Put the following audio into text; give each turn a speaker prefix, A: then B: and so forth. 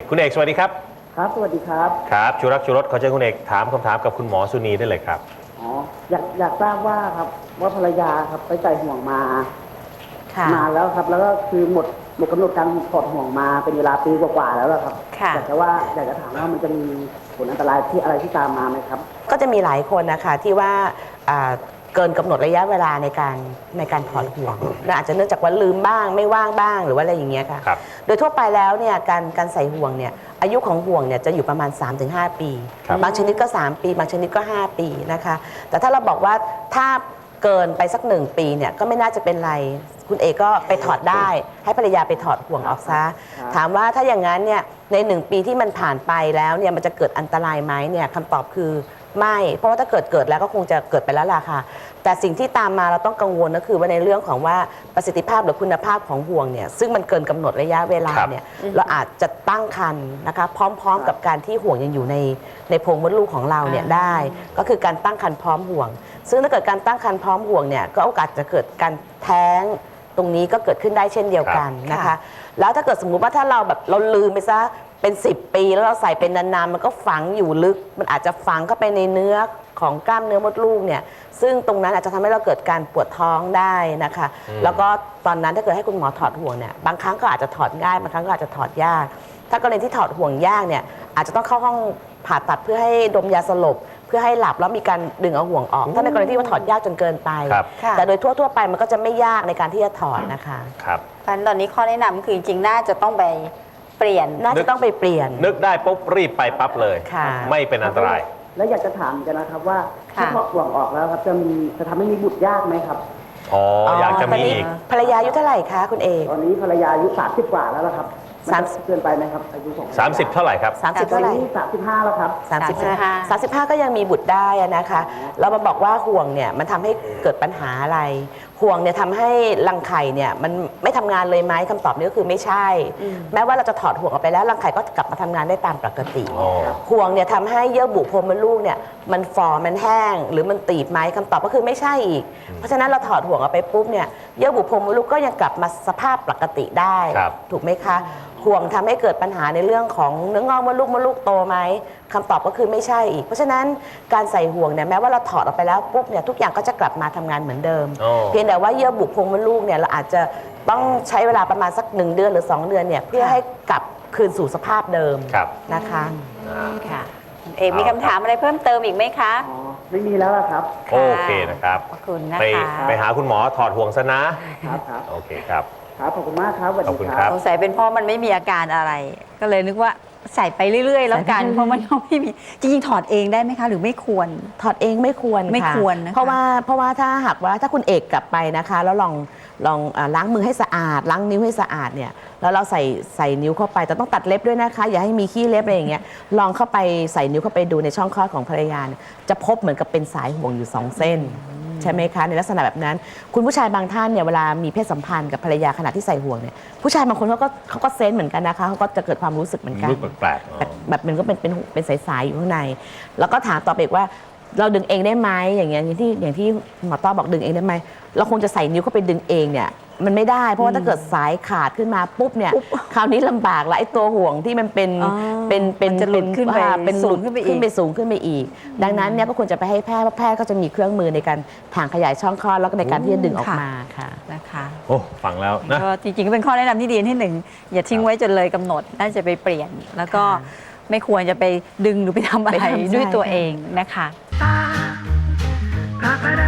A: คุณเอกสวัสดีครับ
B: ครับสวัสดีครับ
A: ครับชูรักชูรสขอเชิญคุณเอกถามคำถามกับคุณหมอสุนีได้เลยครับ
B: อ๋ออยากทราบว่าครับว่าภรรยาครับไปใส่ห่วงมา
C: ค่ะ
B: นานแล้วครับแล้วก็คือหมดกำหนดการถอดห่วงมาเป็นเวลาปีกว่าๆแล้วครับ
C: ค่ะ
B: อยากจะถามว่ามันจะมีผลอันตรายที่อะไรที่ตามมาไหมครับ
C: ก็จะมีหลายคนนะคะที่ว่าเกินกำหนดระยะเวลาในการถอดห่วงอาจจะเนื่องจากว่าลืมบ้างไม่ว่างบ้างหรือว่าอะไรอย่างเงี้ยค่ะโดยทั่วไปแล้วเนี่ยการใส่ห่วงเนี่ยอายุของห่วงเนี่ยจะอยู่ประมาณ 3-5 ปีบางชนิดก็3ปีบางชนิดก็5ปีนะคะแต่ถ้าเราบอกว่าถ้าเกินไปสัก1 ปีเนี่ยก็ไม่น่าจะเป็นไรคุณเอกก็ไปถอดได้ให้ภรรยาไปถอดห่วงออกซะถามว่าถ้าอย่างนั้นเนี่ยใน1 ปีที่มันผ่านไปแล้วเนี่ยมันจะเกิดอันตรายไหมเนี่ยคำตอบคือไม่เพราะว่าถ้าเกิดแล้วก็คงจะเกิดไปแล้วล่ะค่ะแต่สิ่งที่ตามมาเราต้องกังวลก็คือว่าในเรื่องของว่าประสิทธิภาพหรือคุณภาพของห่วงเนี่ยซึ่งมันเกินกำหนดระยะเวลาเนี่ยเราอาจจะตั้งครรภ์นะคะพร้อมๆกับการที่ห่วงยังอยู่ในโพรงมดลูกของเราเนี่ยได้ก็คือการตั้งครรภ์พร้อมห่วงซึ่งถ้าเกิดการตั้งครรภ์พร้อมห่วงเนี่ยก็โอกาสจะเกิดการแท้งตรงนี้ก็เกิดขึ้นได้เช่นเดียวกันนะคะแล้วถ้าเกิดสมมุติว่าถ้าเราลืมไปซะเป็น10 ปีแล้วเราใส่เป็นนานๆมันก็ฝังอยู่ลึกมันอาจจะฝังเข้าไปในเนื้อของกล้ามเนื้อมดลูกเนี่ยซึ่งตรงนั้นอาจจะทำให้เราเกิดการปวดท้องได้นะคะแล้วก็ตอนนั้นถ้าเกิดให้คุณหมอถอดห่วงเนี่ยบางครั้งก็อาจจะถอดง่ายบางครั้งก็อาจจะถอดยากถ้ากรณีที่ถอดห่วงยากเนี่ยอาจจะต้องเข้าห้องผ่าตัดเพื่อให้ดมยาสลบเพื่อให้หลับแล้วมีการดึงเอาห่วงออกถ้าในกรณีที่ว่าถอดยากจนเกินไปแต่โดยทั่วไปมันก็จะไม่ยากในการที่จะถอดนะคะ
A: ครับ
D: ตอนนี้ข้อแนะนำคือจริงๆน่าจะต้องไปเปลี่ยน
C: น่าจะต้องไปเปลี่ยน
A: นึกได้ปุ๊บรีบไปปั๊บเลยไม่เป็นอันตราย
B: แล้วอยากจะถามกันนะครับว่าถ้าถอดห่วงออกแล้วครับจะทำให้มีบุตรยากไหมครับ
A: อ๋ออยากจะมีอีก
C: ภรรยาอายุเท่าไหร่คะคุณเอก
B: ตอนนี้ภรรยาอายุ30 กว่าแล้วครับ30เกินไปไหมครับอายุของ
A: 30เท่าไหร่ครับ
C: 30เท่าไหร่
B: 35แล้วครับ
C: 35ก็ยังมีบุตรได้นะคะเรามาบอกว่าห่วงเนี่ยมันทำให้เกิดปัญหาอะไรห่วงเนี่ยทำให้รังไข่เนี่ยมันไม่ทำงานเลยไหมคำตอบนี้ก็คือไม่ใช่แม้ว่าเราจะถอดห่วงออกไปแล้วรังไข่ก็กลับมาทำงานได้ตามปกติห่วงเนี่ยทำให้เยื่อบุโพรงมดลูกเนี่ยมันฝ่อมันแห้งหรือมันตีบไหมคำตอบก็คือไม่ใช่อีกเพราะฉะนั้นเราถอดห่วงออกไปปุ๊บเนี่ยเยื่อบุโพรงมดลูกก็ยังกลับมาสภาพปกติได้ถูกไหมคะห่วงทำให้เกิดปัญหาในเรื่องของเนื้องอกมดลูกโตไหมคำตอบก็คือไม่ใช่อีกเพราะฉะนั้นการใส่ห่วงเนี่ยแม้ว่าเราถอดออกไปแล้วปุ๊บเนี่ยทุกอย่างก็จะกลับมาทำงานเหมือนเดิมเพียงแต่ว่าเยื่อบุโพรงมดลูกเนี่ยเราอาจจะต้องใช้เวลาประมาณสัก1 เดือนหรือ2 เดือนเนี่ยเพื่อให้กลับคืนสู่สภาพเดิมนะคะ
D: ค่ะเอกมีคำถามอะไรเพิ่มเติมอีกไหมคะ
B: อ๋อไม่มีแล้วครับ
A: โอเคนะครับ
D: ขอบคุณนะคะ
A: ไปหาคุณหมอถอดห่วงซะนะครับโอเคครับ
B: ครับขอบคุณมากครับ
A: ขอบคุณครับ
D: สงสัยเป็นเพราะมันไม่มีอาการอะไรก็เลยนึกว่าใส่ไปเรื่อยๆแล้วกันเพราะมันไม่มีจริงๆถอดเองได้ไหมคะหรือไม่ควร
C: ถอดเองไม่ควร
D: นะคะ
C: เพราะว่าถ้าหากว่าถ้าคุณเอกกลับไปนะคะแล้วลองล้างมือให้สะอาดล้างนิ้วให้สะอาดเนี่ยแล้วเราใส่นิ้วเข้าไปแต่ต้องตัดเล็บด้วยนะคะอย่าให้มีขี้เล็บอะไรอย่างเงี้ยลองเข้าไปใส่นิ้วเข้าไปดูในช่องคลอดของภรรยาจะพบเหมือนกับเป็นสายห่วงอยู่2 เส้นใช่ไหมคะในลักษณะแบบนั้นคุณผู้ชายบางท่านเนี่ยเวลามีเพศสัมพันธ์กับภรรยาขณะที่ใส่ห่วงเนี่ยผู้ชายบางคนเขาก็เซนส์เหมือนกันนะคะเขาก็จะเกิดความรู้สึกเหมือนกัน
A: รู้แปลก
C: แบบมันก็เป็นสายๆอยู่ข้างในแล้วก็ถามต่อไปอีกว่าเราดึงเองได้ไหมอย่างที่หมอต้อบอกดึงเองได้ไหมเราคงจะใส่นิ้วเข้าไปดึงเองเนี่ยมันไม่ได้เพราะว่าถ้าเกิดสายขาดขึ้นมาปุ๊บเนี่ยคราวนี้ลำบากแล้วไอ้ตัวห่วงที่มันเป็น
D: จะหลุดขึ้นไป
C: สูงขึ้นไปอีกดังนั้นเนี่ยก็ควรจะไปให้แพทย์เพราะแพทย์ก็จะมีเครื่องมือในการถ่างขยายช่องคลอดแล้วก็ในการที่จะดึงออกมาค่ะ
D: นะคะ
A: โอ้ฟังแล้วนะ
D: ก็จริงๆก็เป็นข้อแนะนำที่ดีที่1อย่าทิ้งไว้จนเลยกำหนดน่าจะไปเปลี่ยนแล้วก็ไม่ควรจะไปดึงหรือไปทำอะไรด้วยตัวเองนะคะ